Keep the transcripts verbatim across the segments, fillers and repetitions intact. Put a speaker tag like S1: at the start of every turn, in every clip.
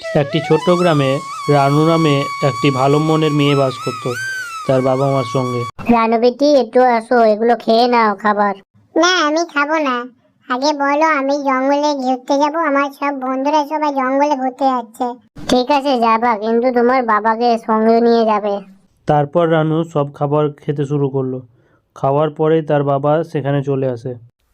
S1: একটি ছোট্ট গ্রামে রানু নামে একটি ভালো মনের মেয়ে বাস করত তার বাবা মার সঙ্গে।
S2: রানু বেটি, একটু আসো, এগুলো খেয়ে নাও খাবার।
S3: না, আমি খাবো না। আগে বলো, আমি জঙ্গলে ঘুরতে যাব। আমার সব বন্ধুরা সবাই জঙ্গলে ঘুরতে যাচ্ছে।
S2: ঠিক আছে যাবা, কিন্তু তোমার বাবাকে সঙ্গে নিয়ে যাবে।
S1: তারপর রানু সব খাবার খেতে শুরু করলো। খাওয়ার পরেই তার বাবা সেখানে চলে আসে।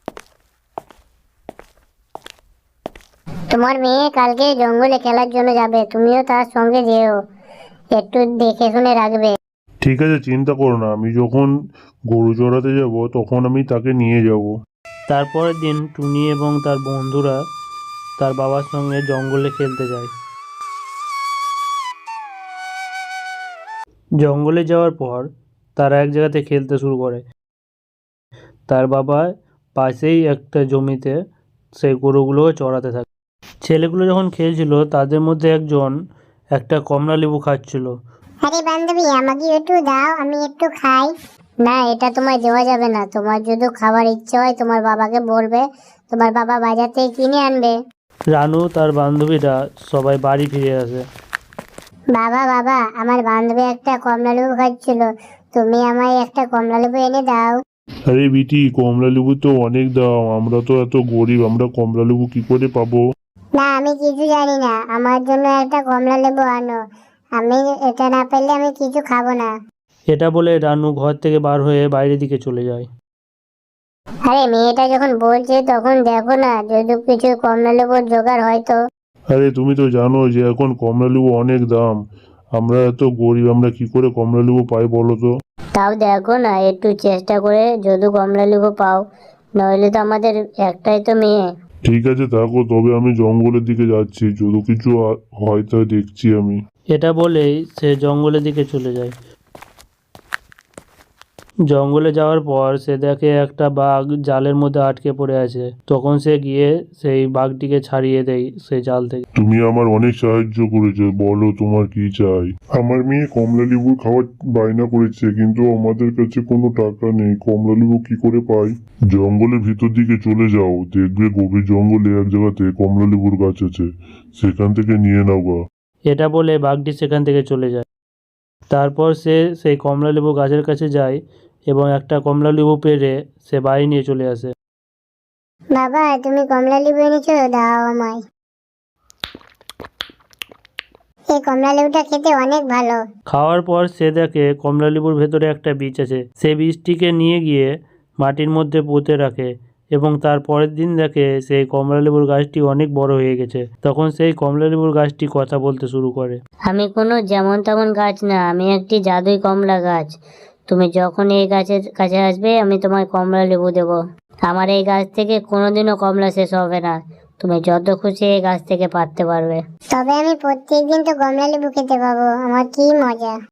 S2: তোমার মেয়ে কালকে জঙ্গলে খেলার জন্য যাবে, তুমিও তার সঙ্গে যেও, একটু দেখে শুনে রাখবে।
S4: ঠিক আছে, চিন্তা করো না। আমি যখন গরু চড়াতে যাব তখন আমি তাকে নিয়ে যাব।
S1: তারপরের দিন টুনি এবং তার বন্ধুরা তার বাবার সঙ্গে জঙ্গলে খেলতে যায়। জঙ্গলে যাওয়ার পর তারা এক জায়গাতে খেলতে শুরু করে। তার বাবা পাশেই একটা জমিতে সেই গরুগুলো চড়াতে থাকে। ছেলেগুলো যখন খেলছিল তাদের মধ্যে একজন একটা কমলা লেবু খাচ্ছিল।
S3: আরে বান্ধবী, আমাকে একটু দাও, আমি একটু খাই।
S2: না, এটা তোমায় দেওয়া যাবে না। তোমার যদি খাবার ইচ্ছে হয় তোমার বাবাকে বলবে, তোমার বাবা বাজার থেকে কিনে আনবে।
S1: রানু তার বান্ধবীরা সবাই বাড়ি ফিরে আসে।
S2: বাবা বাবা, আমার বান্ধবী একটা কমলা লেবু খাচ্ছিল, তুমি আমায় একটা কমলা লেবু এনে দাও।
S4: আরে বিটি, কমলা লেবু তো অনেক দাম। আমরা তো এত গরিব, আমরা কমলা লেবু কি করে পাবো?
S3: না, আমি কিছু জানি না। আমার জন্য একটা কমলা লেবু আনো। আমি এটা না পেলে আমি কিছু খাবো না।
S1: এটা বলে রানু ঘর থেকে বার হয়ে বাইরের দিকে চলে যায়।
S2: আরে মেয়েটা যখন বলছে তখন দেখো না, যদি কিছু কমলা লেবুর জোগাড় হয় তো।
S4: আরে তুমি তো জানো যে এখন কমলা লেবু অনেক দাম। আমরা এত গরিব, আমরা কি করে কমলা লেবু পাই বলো তো?
S2: তাও দেখো না, একটু চেষ্টা করে যদি কমলা লেবু পাও, নইলে তো আমাদের একটাই তো মেয়ে।
S4: ঠিক আছে থাকো, তবে আমি জঙ্গলের দিকে যাচ্ছি। যদি কিছু আ- হয় তা দেখছি আমি।
S1: এটা বলেই সে জঙ্গলের দিকে চলে যায়। জঙ্গলে যাওয়ার পর সে দেখে একটা বাঘ জালের মধ্যে আটকে পড়ে আছে। তখন সে গিয়ে সেই বাঘটিকে ছাড়িয়ে দেয় সেই জাল থেকে।
S4: তুমি আমার অনেক সাহায্য করেছো, বলো তোমার কি চাই? আমার মেয়ে কমলা লেবু খাওয়ার বায়না করেছে, কিন্তু আমাদের কাছে কোনো টাকা নেই। কমলা লেবু কি করে পাই? জঙ্গলের ভিতর দিকে চলে যাও, দেখবে গভীর জঙ্গলে এক জায়গাতে কমলা লেবুর গাছ আছে, সেখান থেকে নিয়ে নাও গা।
S1: এটা বলে বাঘটি সেখান থেকে চলে যায়। তারপর সে সেই কমলা লেবু গাছের কাছে যায় এবং একটা কমলা লেবু পেড়ে সে বাড়ি নিয়ে চলে আসে।
S3: বাবা, তুমি কমলা লেবু এনেছো, দাও আমায়। এই কমলা লেবুটা খেতে অনেক ভালো।
S1: খাওয়ার পর সে দেখে কমলা লেবুর ভেতরে একটা বীজ আছে। সে বীজটিকে নিয়ে গিয়ে মাটির মধ্যে পুঁতে রাখে এবং তার পরের দিন দেখে সেই কমলা লেবুর গাছটি অনেক বড় হয়ে গেছে। তখন সেই কমলা লেবুর গাছটি কথা বলতে শুরু করে।
S2: আমি কোনো যেমন তেমন গাছ না, আমি একটি জাদুই কমলা গাছ। তুমি যখন এই গাছের কাছে আসবে আমি তোমায় কমলা লেবু দেবো। আমার এই গাছ থেকে কোনোদিনও কমলা শেষ হবে না, তুমি যত খুশি এই গাছ থেকে পারতে পারবে।
S3: তবে আমি প্রত্যেকদিন তো কমলা লেবু খেতে পাবো, আমার কি মজা।